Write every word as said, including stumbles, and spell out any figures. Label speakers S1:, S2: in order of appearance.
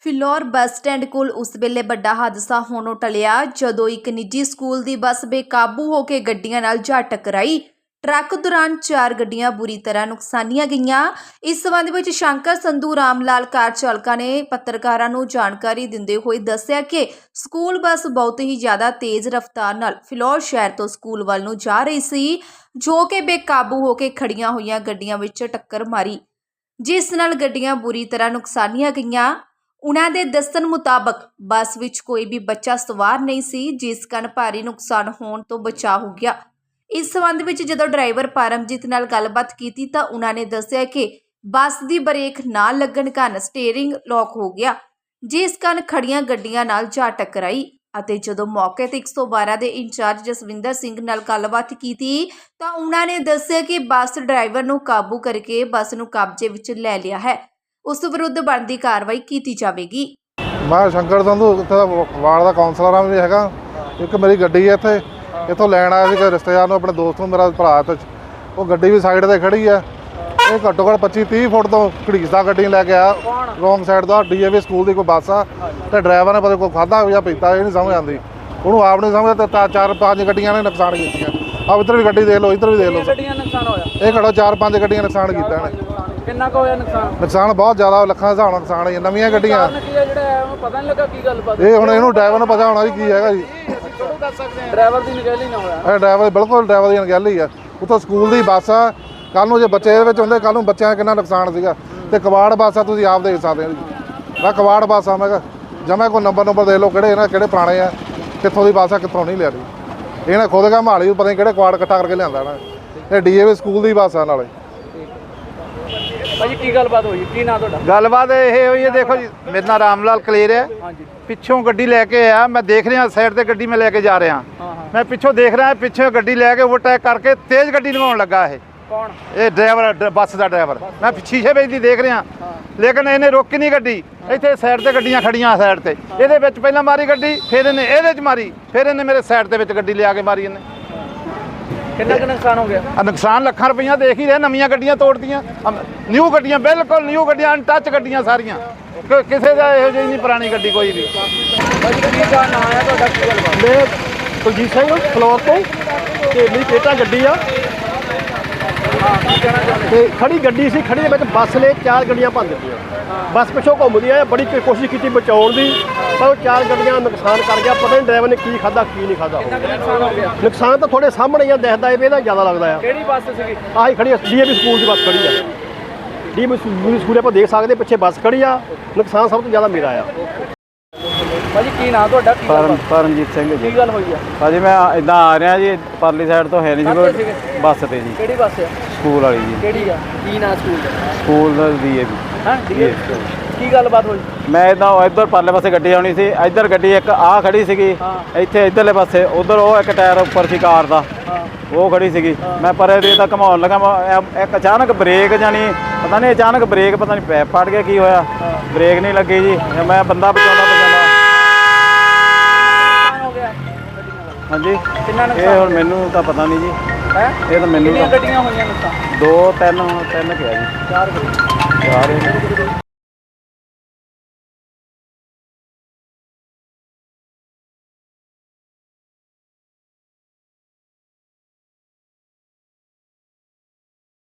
S1: Phillaur bus stand ਕੋਲ ਉਸ ਵੇਲੇ ਵੱਡਾ ਹਾਦਸਾ ਹੋਣੋਂ ਟਲਿਆ ਜਦੋਂ ਇੱਕ ਨਿੱਜੀ ਸਕੂਲ ਦੀ ਬੱਸ ਬੇਕਾਬੂ ਹੋ ਕੇ ਗੱਡੀਆਂ ਨਾਲ ਜਾ ਟਕਰਾਈ। ਟਰੱਕ ਦੌਰਾਨ ਚਾਰ ਗੱਡੀਆਂ ਬੁਰੀ ਤਰ੍ਹਾਂ ਨੁਕਸਾਨੀਆਂ ਗਈਆਂ। ਇਸ ਸੰਬੰਧ ਵਿੱਚ ਸ਼ੰਕਰ ਸੰਧੂ ਰਾਮ ਲਾਲ ਕਾਰ ਚਾਲਕਾਂ ਨੇ ਪੱਤਰਕਾਰਾਂ ਨੂੰ ਜਾਣਕਾਰੀ ਦਿੰਦੇ ਹੋਏ ਦੱਸਿਆ ਕਿ ਸਕੂਲ ਬੱਸ ਬਹੁਤ ਹੀ ਜ਼ਿਆਦਾ ਤੇਜ਼ ਰਫ਼ਤਾਰ ਨਾਲ ਫਿਲੌਰ ਸ਼ਹਿਰ ਤੋਂ ਸਕੂਲ ਵੱਲ ਨੂੰ ਜਾ ਰਹੀ ਸੀ, ਜੋ ਕਿ ਬੇਕਾਬੂ ਹੋ ਕੇ ਖੜੀਆਂ ਹੋਈਆਂ ਗੱਡੀਆਂ ਵਿੱਚ ਟੱਕਰ ਮਾਰੀ, ਜਿਸ ਨਾਲ ਗੱਡੀਆਂ ਬੁਰੀ ਤਰ੍ਹਾਂ ਨੁਕਸਾਨੀਆਂ ਗਈਆਂ। ਉਨ੍ਹਾਂ ਦੇ ਦੱਸਣ ਮੁਤਾਬਕ ਬੱਸ ਵਿੱਚ ਕੋਈ ਵੀ ਬੱਚਾ ਸਵਾਰ ਨਹੀਂ ਸੀ, ਜਿਸ ਕਾਰਨ ਭਾਰੀ ਨੁਕਸਾਨ ਹੋਣ ਤੋਂ ਬਚਾਅ ਹੋ ਗਿਆ। ਇਸ ਸੰਬੰਧ ਵਿੱਚ ਜਦੋਂ ਡਰਾਈਵਰ ਪਰਮਜੀਤ ਨਾਲ ਗੱਲਬਾਤ ਕੀਤੀ ਤਾਂ ਉਨ੍ਹਾਂ ਨੇ ਦੱਸਿਆ ਕਿ ਬੱਸ ਦੀ ਬ੍ਰੇਕ ਨਾ ਲੱਗਣ ਕਾਰਨ ਸਟੀਅਰਿੰਗ ਲੌਕ ਹੋ ਗਿਆ, ਜਿਸ ਕਾਰਨ ਖੜੀਆਂ ਗੱਡੀਆਂ ਨਾਲ ਜਾ ਟਕਰਾਈ। ਅਤੇ ਜਦੋਂ ਮੌਕੇ ਤੇ ਇੱਕ ਸੌ ਬਾਰਾਂ ਦੇ ਇੰਚਾਰਜ ਜਸਵਿੰਦਰ ਸਿੰਘ ਨਾਲ ਗੱਲਬਾਤ ਕੀਤੀ ਤਾਂ ਉਨ੍ਹਾਂ ਨੇ ਦੱਸਿਆ ਕਿ ਬੱਸ ਡਰਾਈਵਰ ਨੂੰ ਕਾਬੂ ਕਰਕੇ ਬੱਸ ਨੂੰ ਕਬਜ਼ੇ ਵਿੱਚ ਲੈ ਲਿਆ ਹੈ। ਉਸ ਵਿਰੁੱਧ ਬਣਦੀ ਕਾਰਵਾਈ ਕੀਤੀ ਜਾਵੇਗੀ।
S2: ਮੈਂ ਸ਼ੰਕਰ ਸੰਧੂ ਇੱਥੇ ਦਾ ਵਾਰਡ ਦਾ ਕਾਉਂਸਲਰ ਹਾਂ ਵੀ ਹੈਗਾ। ਇੱਕ ਮੇਰੀ ਗੱਡੀ ਹੈ ਇੱਥੇ ਇੱਥੋਂ ਲੈਣ ਆਇਆ ਸੀ ਰਿਸ਼ਤੇਦਾਰ ਨੂੰ, ਆਪਣੇ ਦੋਸਤ ਨੂੰ, ਮੇਰਾ ਭਰਾ ਤੇ ਉਹ ਗੱਡੀ ਵੀ ਸਾਈਡ ਤੇ ਖੜੀ ਹੈ। ਇਹ ਘੱਟੋ ਘੱਟ ਪੱਚੀ ਤੀਹ ਫੁੱਟ ਤੋਂ ਘੜੀਸਦਾ ਗੱਡੀ ਲੈ ਕੇ ਆਇਆ ਰੋਂਗ ਸਾਈਡ ਤੋਂ। ਡੀ ਏ ਵੀ ਸਕੂਲ ਦੀ ਕੋਈ ਬੱਸ ਆ ਤੇ ਡਰਾਈਵਰ ਨੇ ਪਤਾ ਕੋਈ ਖਾਧਾ ਜਾਂ ਪੀਤਾ, ਇਹ ਨਹੀਂ ਸਮਝ ਆਉਂਦੀ ਉਹਨੂੰ, ਆਪ ਨਹੀਂ ਸਮਝਦਾ। ਤੇ ਚਾਰ ਪੰਜ ਗੱਡੀਆਂ ਨੇ ਨੁਕਸਾਨ ਕੀਤੀਆਂ। ਆਹ ਇੱਧਰ ਵੀ ਗੱਡੀ ਦੇਖ ਲਓ, ਇੱਧਰ ਵੀ ਦੇਖ ਲਓ,
S3: ਗੱਡੀਆਂ ਨੁਕਸਾਨ ਹੋਇਆ।
S2: ਇਹ ਘੱਟੋ ਚਾਰ ਪੰਜ ਗੱਡੀਆਂ ਨੁਕਸਾਨ ਕੀਤਾ ਇਹਨੇ।
S3: ਕਿੰਨਾ ਕੁ ਹੋਇਆ ਨੁਕਸਾਨ?
S2: ਨੁਕਸਾਨ ਬਹੁਤ ਜ਼ਿਆਦਾ, ਲੱਖਾਂ ਦੇ ਹਿਸਾਬ ਨਾਲ ਨੁਕਸਾਨ ਹੈ। ਨਵੀਆਂ ਗੱਡੀਆਂ
S3: ਕੀ ਹੈ ਜਿਹੜਾ ਉਹਨੂੰ ਪਤਾ ਨਹੀਂ ਲੱਗਾ ਕੀ ਗੱਲਬਾਤ।
S2: ਇਹ ਹੁਣ ਇਹਨੂੰ ਡਰਾਈਵਰ ਨੂੰ ਪਤਾ ਹੋਣਾ ਜੀ ਕੀ ਹੈਗਾ ਜੀ।
S3: ਡਰਾਈਵਰ ਦੀ ਨਿਗਹਿਲੀ ਨਾ ਹੋਇਆ।
S2: ਇਹ ਡਰਾਈਵਰ ਬਿਲਕੁਲ ਡਰਾਈਵਰ ਦੀ ਅਣਗਹਿਲੀ ਆ। ਉੱਥੋਂ ਸਕੂਲ ਦੀ ਬੱਸ ਆ, ਕੱਲ੍ਹ ਨੂੰ ਜੇ ਬੱਚੇ ਇਹਦੇ ਵਿੱਚ ਹੁੰਦੇ ਕੱਲ੍ਹ ਨੂੰ ਬੱਚਿਆਂ ਦਾ ਕਿੰਨਾ ਨੁਕਸਾਨ ਸੀਗਾ। ਤੇ ਕਵਾੜ ਬੱਸ ਆ, ਤੁਸੀਂ ਆਪ ਦੇਖ ਸਕਦੇ ਹੋ ਜੀ। ਮੈਂ ਕਵਾੜ ਬੱਸ ਆ, ਮੈਂ ਕਿਹਾ ਜਮਾ ਕੋਈ ਨੰਬਰ ਨੰਬਰ ਦੇਖ ਲਓ ਕਿਹੜੇ ਇਹਨਾਂ ਕਿਹੜੇ ਪੁਰਾਣੇ ਆ, ਕਿੱਥੋਂ ਦੀ ਬੱਸ ਆ ਕਿੱਥੋਂ ਨਹੀਂ ਲਿਆ ਰਹੀ। ਇਹਨਾਂ ਖੁਦ ਕਾ ਮਾਲੀ ਪਤਾ ਨਹੀਂ ਕਿਹੜੇ ਕਵਾੜ ਇਕੱਠਾ ਕਰਕੇ ਲਿਆਂਦਾ ਨਾ। ਇਹ ਡੀ ਏ ਵੀ ਸਕੂਲ ਦੀ ਬੱਸ ਆ ਨਾਲੇ।
S3: ਭਾਜੀ ਕੀ ਗੱਲਬਾਤ ਹੋਈ, ਕੀ ਨਾਂ ਤੁਹਾਡਾ?
S4: ਗੱਲਬਾਤ ਇਹ ਹੋਈ ਹੈ, ਦੇਖੋ ਜੀ ਮੇਰਾ ਨਾਮ ਰਾਮ ਲਾਲ ਕਲੇਰ ਹੈ।
S3: ਹਾਂਜੀ।
S4: ਪਿੱਛੋਂ ਗੱਡੀ ਲੈ ਕੇ ਆਇਆ, ਮੈਂ ਦੇਖ ਰਿਹਾ ਸਾਈਡ ਤੇ ਗੱਡੀ ਮੈਂ ਲੈ ਕੇ ਜਾ ਰਿਹਾ। ਮੈਂ ਪਿੱਛੋਂ ਦੇਖ ਰਿਹਾ, ਪਿੱਛੇ ਗੱਡੀ ਲੈ ਕੇ ਓਵਰਟੇਕ ਕਰਕੇ ਤੇਜ਼ ਗੱਡੀ ਲਗਾਉਣ ਲੱਗਾ। ਇਹ
S3: ਕੌਣ?
S4: ਇਹ ਡਰਾਈਵਰ, ਬੱਸ ਦਾ ਡਰਾਈਵਰ। ਮੈਂ ਸ਼ੀਸ਼ੇ ਵਿੱਚ ਦੀ ਦੇਖ ਰਿਹਾ, ਲੇਕਿਨ ਇਹਨੇ ਰੋਕੀ ਨਹੀਂ ਗੱਡੀ। ਇੱਥੇ ਸਾਈਡ ਤੇ ਗੱਡੀਆਂ ਖੜੀਆਂ ਸਾਈਡ ਤੇ, ਇਹਦੇ ਵਿੱਚ ਪਹਿਲਾਂ ਮਾਰੀ ਗੱਡੀ, ਫਿਰ ਇਹਨੇ ਇਹਦੇ 'ਚ ਮਾਰੀ, ਫਿਰ ਇਹਨੇ ਮੇਰੇ ਸਾਈਡ ਦੇ ਵਿੱਚ ਗੱਡੀ ਲਿਆ ਕੇ ਮਾਰੀ ਇਹਨੇ।
S3: ਕਿੰਨਾ ਕੁ ਨੁਕਸਾਨ ਹੋ ਗਿਆ?
S4: ਆ ਨੁਕਸਾਨ ਲੱਖਾਂ ਰੁਪਈਆ ਦੇਖ ਹੀ ਰਹੇ। ਨਵੀਆਂ ਗੱਡੀਆਂ ਤੋੜਦੀਆਂ, ਨਿਊ ਗੱਡੀਆਂ, ਬਿਲਕੁਲ ਨਿਊ ਗੱਡੀਆਂ, ਅਨਟੱਚ ਗੱਡੀਆਂ ਸਾਰੀਆਂ। ਕਿਸੇ ਦਾ ਇਹੋ ਜਿਹੀ ਨਹੀਂ ਪੁਰਾਣੀ ਗੱਡੀ ਕੋਈ ਵੀ।
S3: ਭਾਜੀ ਕੀ ਨਾਂ ਆਇਆ ਤੁਹਾਡਾ, ਕੀ ਗੱਲਬਾਤ?
S5: ਮੈਂ ਕੁਲਜੀਤ ਸਿੰਘ ਫਲੋਰ ਤੋਂ, ਤੇ ਮੇਰੀ ਕੇਟਾ ਗੱਡੀ ਆ ਤੇ ਖੜੀ ਗੱਡੀ ਸੀ। ਖੜੀ ਦੇ ਵਿੱਚ ਬੱਸ ਨੇ ਚਾਰ ਗੱਡੀਆਂ ਭੰਨ ਦਿੱਤੀਆਂ। ਬੱਸ ਪਿੱਛੋਂ ਘੁੰਮਦੀ ਆ, ਬੜੀ ਕੋਸ਼ਿਸ਼ ਕੀਤੀ ਬਚਾਉਣ ਦੀ, ਪਰ ਉਹ ਚਾਰ ਗੱਡੀਆਂ ਨੁਕਸਾਨ ਕਰ ਗਿਆ। ਪਤਾ ਨਹੀਂ ਡਰਾਈਵਰ ਨੇ ਕੀ ਖਾਧਾ ਕੀ ਨਹੀਂ ਖਾਧਾ।
S3: ਨੁਕਸਾਨ ਹੋ ਗਿਆ।
S5: ਨੁਕਸਾਨ ਤਾਂ ਤੁਹਾਡੇ ਸਾਹਮਣੇ ਹੀ ਆ, ਦਿਖਦਾ ਇਹ ਇਹਦਾ ਜ਼ਿਆਦਾ ਲੱਗਦਾ ਆ।
S3: ਕਿਹੜੀ ਬੱਸ ਸੀਗੀ?
S5: ਆਹੀ ਖੜੀ ਡੀ ਏ ਵੀ ਸਕੂਲ ਦੀ ਬੱਸ ਖੜੀ ਆ। ਡੀ ਏ ਵੀ ਸਕੂਲ ਆਪਾਂ ਦੇਖ ਸਕਦੇ, ਪਿੱਛੇ ਬੱਸ ਖੜੀ ਆ। ਨੁਕਸਾਨ ਸਭ ਤੋਂ ਜ਼ਿਆਦਾ ਮੇਰਾ ਆ।
S3: ਭਾਜੀ ਕੀ ਨਾਂ ਤੁਹਾਡਾ? ਕੀ
S6: ਪਰਮ
S3: ਗੱਲਬਾਤ?
S6: ਪਰਮਜੀਤ ਸਿੰਘ ਜੀ।
S3: ਕੀ ਗੱਲ ਹੋਈ ਆ?
S6: ਭਾਜੀ ਮੈਂ ਇਦਾਂ ਆ ਰਿਹਾ ਜੀ, ਪਰਲੀ ਸਾਈਡ ਤੋਂ ਹੈ ਨਹੀਂ
S3: ਕਾਹਤੇ
S6: ਸੀ
S3: ਸੀਗੇ?
S6: ਕੋਈ ਬੱਸ ਤੇ ਜੀ,
S3: ਕਿਹੜੀ ਬੱਸ ਆ?
S6: ਸਕੂਲ ਵਾਲੀ ਜੀ।
S3: ਕਿਹੜੀ ਆ? ਕੀ ਨਾਂ ਸਕੂਲ ਦਾ?
S6: ਸਕੂਲ ਦਾ ਡੀ ਏ ਵੀ।
S3: ਹਾਂ ਠੀਕ ਹੈ। ਕੀ ਗੱਲਬਾਤ ਹੋਈ?
S6: ਮੈਂ ਇਦਾਂ ਇੱਧਰ ਪਰਲੇ ਪਾਸੇ ਗੱਡੀ ਆਉਣੀ ਸੀ, ਇੱਧਰ ਗੱਡੀ ਇੱਕ ਆ ਖੜੀ ਸੀਗੀ, ਇੱਥੇ ਇੱਧਰਲੇ ਪਾਸੇ, ਉਧਰ ਉਹ ਇੱਕ ਟਾਇਰ ਉੱਪਰ ਸੀ ਕਾਰ ਦਾ, ਉਹ ਖੜੀ ਸੀਗੀ। ਮੈਂ ਪਰੇ ਦੇ ਤਾਂ ਘਮਾਉਣ ਲੱਗਾ, ਮੈਂ ਇੱਕ ਅਚਾਨਕ ਬ੍ਰੇਕ ਜਾਣੀ ਪਤਾ ਨਹੀਂ ਅਚਾਨਕ ਬ੍ਰੇਕ ਪਤਾ ਨਹੀਂ ਪੈਪ ਫਟ ਗਿਆ ਕੀ ਹੋਇਆ, ਬ੍ਰੇਕ ਨਹੀਂ ਲੱਗੀ ਜੀ। ਮੈਂ ਬੰਦਾ ਬਚਾਉਂਦਾ ਬਚਾਉਂਦਾ ਹਾਂਜੀ।
S3: ਕਿੰਨਾ
S6: ਇਹ
S3: ਨੁਕਸਾਨ?
S6: ਹੁਣ ਮੈਨੂੰ ਤਾਂ ਪਤਾ ਨਹੀਂ ਜੀ,
S3: ਹੈ
S6: ਇਹ ਤਾਂ ਮੈਨੂੰ
S3: ਕਿੰਨੀਆਂ
S6: ਤਾਂ
S3: ਗੱਡੀਆਂ ਹੋਈਆਂ ਨੁਕਸਾਨ?
S6: ਦੋ ਤਿੰਨ ਤਿੰਨ ਕਿਹਾ ਜੀ,
S3: ਚਾਰ ਗੱਡੀਆਂ।
S6: ਚਾਰ